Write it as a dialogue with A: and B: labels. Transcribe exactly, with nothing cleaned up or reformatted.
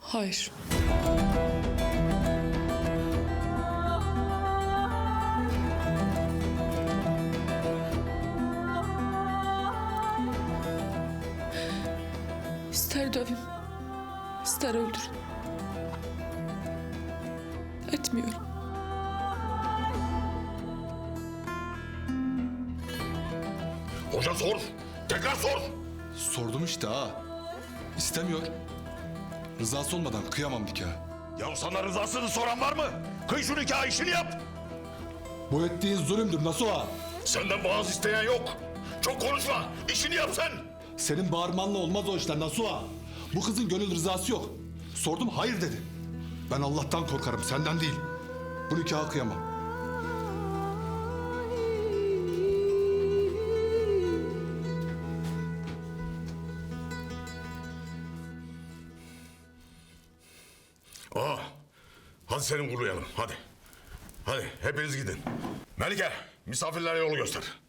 A: Hayır. İster dövün, ister öldürün. Etmiyorum.
B: Hoca sor. Tekrar sor.
C: Sordum işte ha. İstemiyor. Rızası olmadan kıyamam nikah.
B: Ya sana rızasını soran var mı? Kıy şu nikah, işini yap.
C: Bu ettiğin zulümdür Nasuha.
B: Senden boğaz isteyen yok. Çok konuşma. İşini yap sen.
C: Senin bağırmanla olmaz o işler Nasuha. Bu kızın gönül rızası yok. Sordum hayır dedi. Ben Allah'tan korkarım senden değil. Bu nikahı kıyamam.
B: Aa, hadi seni kurlayalım. Hadi. Hadi hepiniz gidin. Melike, misafirlere yolu göster.